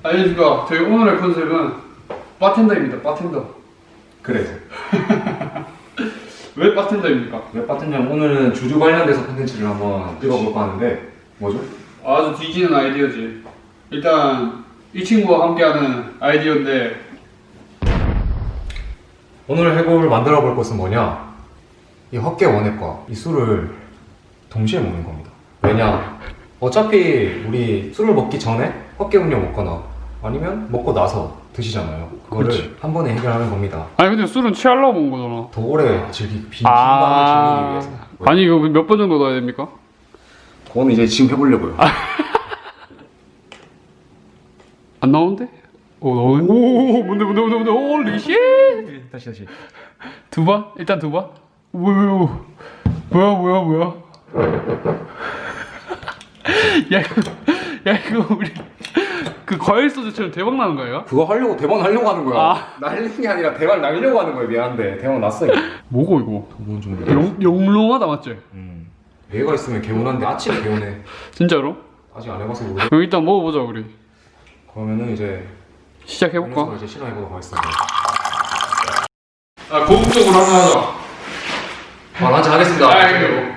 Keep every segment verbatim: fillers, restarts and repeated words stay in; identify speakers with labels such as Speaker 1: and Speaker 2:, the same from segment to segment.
Speaker 1: 안녕하십니까. 저희 오늘의 컨셉은 바텐더입니다. 바텐더.
Speaker 2: 그래.
Speaker 1: 왜 바텐더입니까?
Speaker 2: 왜 바텐더냐면 오늘은 주류 관련돼서 콘텐츠를 한번 찍어볼까 하는데 뭐죠?
Speaker 1: 아주 뒤지는 아이디어지. 일단 이 친구와 함께하는 아이디어인데
Speaker 2: 오늘 해볼 만들어 볼 것은 뭐냐? 이 헛개 원액과 이 술을 동시에 먹는 겁니다. 왜냐? 어차피 우리 술을 먹기 전에 헛개 음료 먹거나 아니면 먹고 나서 드시잖아요. 그거를
Speaker 1: 그렇지.
Speaker 2: 한 번에 해결하는 겁니다.
Speaker 1: 아니 근데 술은 취하려고 먹은 거잖아.
Speaker 2: 더 오래 즐기, 빈 밤을 즐기기 위해서.
Speaker 1: 아니 이거 몇 번 정도 넣어야 됩니까?
Speaker 2: 그거는 이제 지금 해보려고요.
Speaker 1: 안 나오는데? 오 나오네. 오 뭔데 뭔데 뭔데 뭔데 홀리 쉣.
Speaker 2: 다시 다시.
Speaker 1: 두 번? 일단 두 번? 뭐야 뭐야 뭐야 뭐야 야 이거 야 이거 우리 그 과일 소주처럼 대박 나는 거예요?
Speaker 2: 그거 하려고 대박 날려고 하는 거야.
Speaker 1: 아.
Speaker 2: 날리는 게 아니라 대박 날려고 하는 거야. 미안한데 대박 났어. 이거.
Speaker 1: 뭐고 이거?
Speaker 2: 그건 좀.
Speaker 1: 영, 영롱하다 맞지?
Speaker 2: 음. 얘가 있으면 개운한데 아침에 개운해.
Speaker 1: 진짜로?
Speaker 2: 아직 안 해봐서 모르.
Speaker 1: 그럼 일단 먹어보자 우리.
Speaker 2: 그러면은 이제
Speaker 1: 시작해볼까?
Speaker 2: 음료수를 이제 실험해보도록 하겠습니다.
Speaker 1: 아 고급적으로 하나 하자.
Speaker 2: 아, 한잔 하겠습니다.
Speaker 1: 아 이거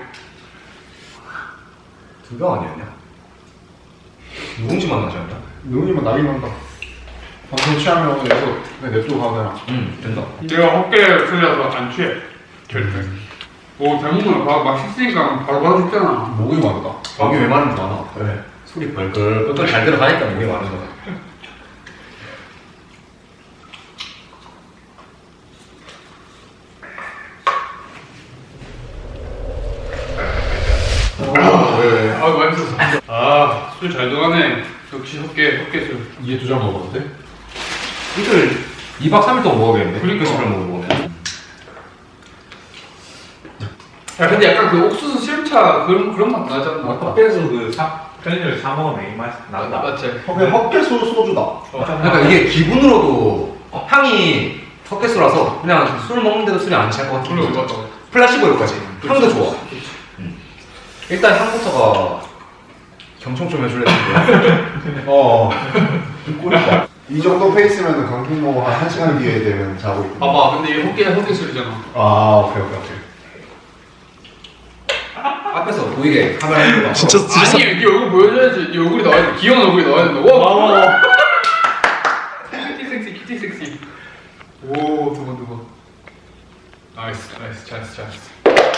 Speaker 2: 두 병 아니었냐? 누룽지 맛 나지 않냐?
Speaker 3: 누구님은 나이 난다. 방송 취하면 이거 그냥 냅두고 가거나.
Speaker 2: 응, 된다.
Speaker 1: 내가 헛개 틀려서 안 취해 절대. 오 대목은 막, 막 씻으니까 바로 바로 씻잖아.
Speaker 3: 목이 마르다.
Speaker 2: 목이 왜 마른지 알아?
Speaker 3: 그래.
Speaker 2: 소리 벌벌 또 잘 들어가니까 목이 마른 거야.
Speaker 3: 왜?
Speaker 1: 아 맛있었어. 아술 잘 들어가네. 역시 헛개 헛개 술.
Speaker 3: 이게 두 잔 먹었는데?
Speaker 2: 이걸 이 박 삼 일 동안 먹어야겠네.
Speaker 1: 그러니까.
Speaker 2: 술을 먹으면.
Speaker 1: 야 근데 약간 그 옥수수 시름차 그런 그런 맛 나지 않나?
Speaker 4: 헛개에서 그 사, 편의점에서 사 먹으면 이 맛 나다.
Speaker 1: 맞지?
Speaker 3: 그냥 헛개수 소주다.
Speaker 2: 그러니까 이게 기분으로도 향이 섞였어라서 그냥 술 먹는데도 술이 안 취할 것 같은
Speaker 1: 그래
Speaker 2: 느낌.
Speaker 1: 맞다.
Speaker 2: 플라시보일까지. 향도 좋아. 음. 일단 향부터가 경청 좀 해줄래 텐데.
Speaker 3: 어. 꿀이다. 이 정도 페이스면 강풍모 한 1시간 뒤에 되면 자고 있고.
Speaker 1: 봐봐 근데 이 헛개 헛개 술이잖아.
Speaker 3: 아, 오케이, 오케이, 오케이.
Speaker 2: 앞에서 보이게 카메라 해봐.
Speaker 3: 진짜
Speaker 1: 아니 네 얼굴 보여줘야지. 네 얼굴이 나와야 돼. 귀여운 얼굴이 나와야 된다. 와 와. 큐티 섹시 큐티 섹시. 오두 번 두 번. 나이스 나이스 잘했어 잘했어.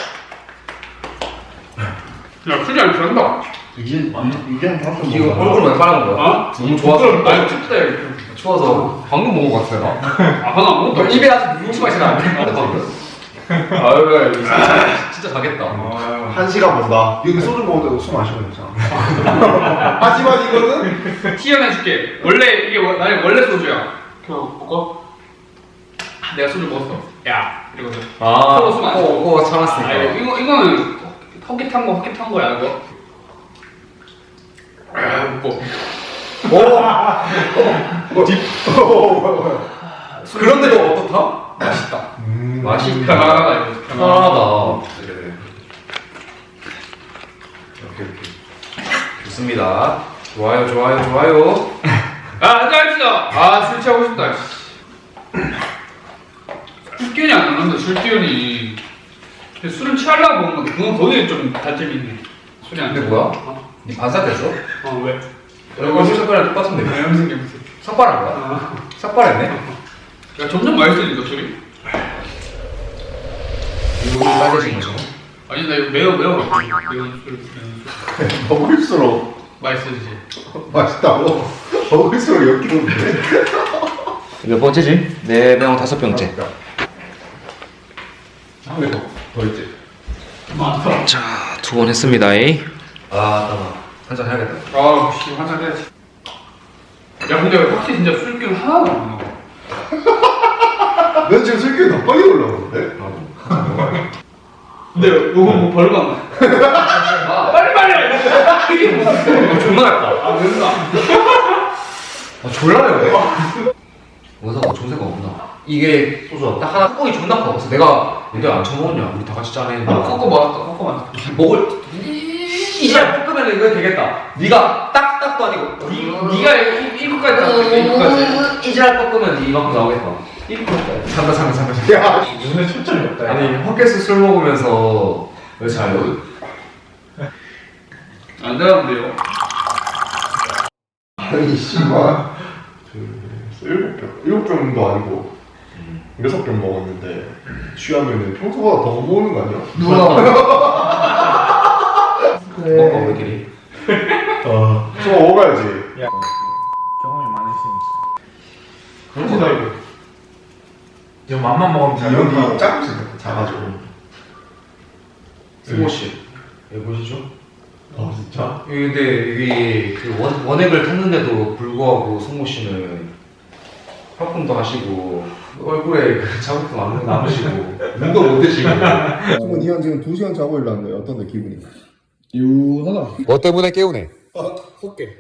Speaker 1: 야 술이 안 취한다.
Speaker 3: 이게, 이게 한 번.
Speaker 2: 이거 얼굴 왜 빨간 거야?
Speaker 1: 어?
Speaker 2: 너무 좋아서.
Speaker 1: 아니 춥다 이거.
Speaker 2: 추워서 방금 먹은 것 같아요. 나.
Speaker 1: 아 하나 안 먹었다.
Speaker 2: 입에 아직 누룽지 맛이 나는데. 아유 진짜, 진짜 자겠다.
Speaker 3: 한 시간 본다. 여기 소주 먹는데도 숨 안 쉬면 되잖아. 하지만 이거는
Speaker 1: 티연해줄게. 원래 이게 원- 나의 원래 소주야. 그거 먹어. 내가 소주 먹었어. 야 이러거든.
Speaker 2: 아,
Speaker 1: 서로 숨안 쉬어.
Speaker 2: 코, 코가
Speaker 1: 아,
Speaker 2: 참았으니까.
Speaker 1: 이거, 이거 이거는 헛개 탄 거, 헛개 탄 거야 이거. 아, 먹고.
Speaker 3: 뭐 딥.
Speaker 2: 그런데도 어떻다? 맛있다.
Speaker 3: 음.
Speaker 2: 맛있다.
Speaker 1: 편안하다 이거.
Speaker 2: 편안하다. 네. 이렇게 이렇게. 좋습니다. 좋아요, 좋아요, 좋아요.
Speaker 1: 아 한잔 합시다. 아술 취하고 싶다. 술기운이 안 나는데 술기운이. 근데 술은 취하려고 먹는 건데 그건 거기에 좀 단점이 있네. 술이 안.
Speaker 2: 근데
Speaker 1: 취해.
Speaker 2: 뭐야?
Speaker 1: 어?
Speaker 2: 니 반삭했어?
Speaker 1: 어 왜?
Speaker 2: 얼굴 색깔이랑 똑같은데.
Speaker 1: 왜 염색 염색.
Speaker 2: 삭발한 거야?
Speaker 1: 아.
Speaker 2: 삭발했네?
Speaker 1: 야 점점 맛있어진다 술이.
Speaker 2: 이거 빨개진 거죠?
Speaker 1: 아니 나 이거 매워 매워. 매운 술 매운 술.
Speaker 3: 먹을수록
Speaker 1: 맛있어지지.
Speaker 3: 맛있다고. 먹을수록 역기운데.
Speaker 2: 몇 번째지? 네 병, 다섯 병째.
Speaker 3: 한개 더. 더 있지.
Speaker 1: 많다.
Speaker 2: 자, 두 번 했습니다. 아, 잠깐만. 한잔 해야겠다.
Speaker 1: 아, 씨, 한잔 해야지. 야, 근데 확실히 진짜 술기운 하나도 안 나와.
Speaker 3: 넌 지금 술기운 더 빨리 올라오는데?
Speaker 1: 근데 이거 뭐 별거 안 나.
Speaker 2: 아,
Speaker 1: 빨리 빨리. 이게 무슨?
Speaker 2: 이거 존나 얇다.
Speaker 1: 아, 된다.
Speaker 2: 아, 졸라요. 원사가 존세가 없구나. 이게 소주 딱 하나 뚜껑이 존나 커. 그래서 내가 얘들 안 처먹었냐? 우리 다 같이 짜네.
Speaker 1: 아, 꺾어 맞았다. 꺾어 맞았다.
Speaker 2: 먹을 이제 볶음에 그러면 이거 되겠다. 네가 딱딱도 아니고
Speaker 1: 니, 니가 일부까지 딱 일부까지.
Speaker 2: 이지랄 꺾으면 이만큼 나오겠다. 일부까지. 잠깐 잠깐 잠깐 잠깐.
Speaker 3: 야,
Speaker 4: 눈에 초점이 없다.
Speaker 2: 아니 헛개수 술 먹으면서 왜 자요?
Speaker 1: 안 되는데요.
Speaker 3: 아니 씨발. 그, 일곱 병, 일곱 병도 아니고 여섯 병 먹었는데 취하면은 평소보다 더 먹는 거 아니야?
Speaker 2: 먹어 우리끼리.
Speaker 3: 어, 좀 먹어야지.
Speaker 4: 야, 경험이 많으시니까.
Speaker 3: 그렇다 이거.
Speaker 4: 지금 맘만 먹으면 잘
Speaker 3: 이런 거
Speaker 4: 먹고.
Speaker 3: 작지, 작아지고.
Speaker 2: 승호 씨, 여기 보시죠.
Speaker 3: 아 진짜?
Speaker 2: 근데 여기 그 원, 원액을 탔는데도 불구하고 승호 씨는 화품도 하시고 얼굴에 그 자국도 남, 남으시고 눈도 못 뜨시고.
Speaker 3: 지금 이한 지금 두 시간 자고 일어났는데 어떤데 기분이? 유하다.
Speaker 2: 뭐 때문에 깨우네?
Speaker 3: 헛개.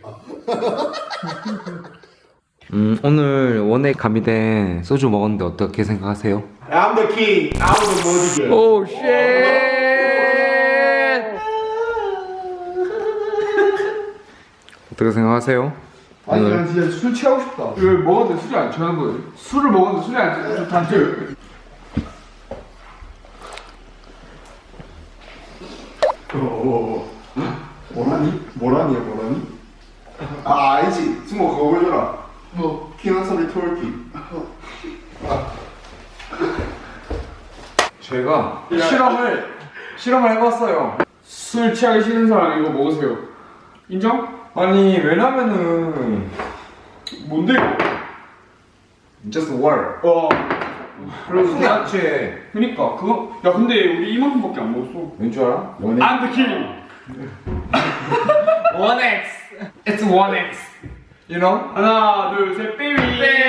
Speaker 2: 음 오늘 원액 가미된 소주 먹었는데 어떻게 생각하세요?
Speaker 3: I'm the king. 아무도 못 이겨.
Speaker 2: 오 쉣! 어떻게 생각하세요?
Speaker 1: 아니 난 진짜 술 취하고 싶다. 왜 먹었는데 술이 안 취하는 거예요? 술을 먹었는데 술이 안 취하는 거 단체.
Speaker 3: 어, 뭐라니? 뭐라니야 뭐라니? 아 알지. 승모 그거 보여줘라.
Speaker 1: 뭐
Speaker 3: 피난소리 토르키.
Speaker 2: 제가 실험을 실험을 해봤어요.
Speaker 1: 술 취하기 싫은 사람 이거 먹으세요. 인정?
Speaker 2: 아니 왜냐면은
Speaker 1: 뭔데 이거?
Speaker 2: just word.
Speaker 1: 어. 그래서
Speaker 2: 술이 안 취해.
Speaker 1: 그니까 그거 야 근데 우리 이만큼밖에 안 먹었어.
Speaker 2: 왠 줄 알아?
Speaker 1: I'm the king.
Speaker 2: one X. It's one X. You know?
Speaker 1: 하나 둘 셋 베이비.